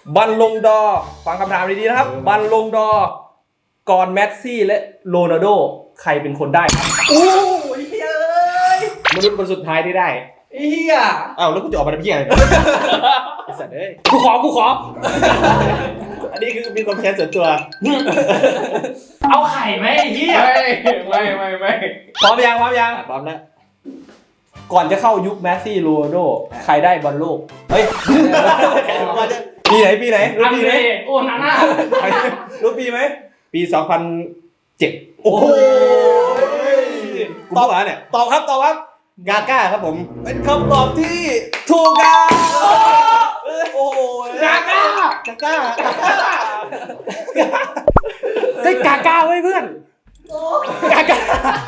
บัลลงดอร์ฟังคำถามดีๆนะครับบัลลงดอร์ก่อนแมสซี่และโรนัลโดใครเป็นคนได้ครับโอ้ยเฮ้ยมนุษย์คนสุดท้ายที่ได้เฮียอ้าวแล้วกูจะออกมาทำเพี้ยอะไรไอ้สัตว์เอ้ยกูขออันนี้คือมีความแค้นส่วนตัวเอาไข่ไหมไอ้เฮียไม่พร้อมยังพร้อมแล้วก่อนจะเข้ายุคแมสซี่โรนัลโดใครได้บอลโลกเฮ้ย ปีไหนรู้อันปีเดไหมโอนาน่ารู้ปีไหมปี 2007 โอ้โหกูบอกเนี่ยตอบครับกาก้าครับผมเป็นคำตอบที่ถูกครับโอ้โหกาก้ากาก้าได้กาก้าไว้เพื่อนกาก้า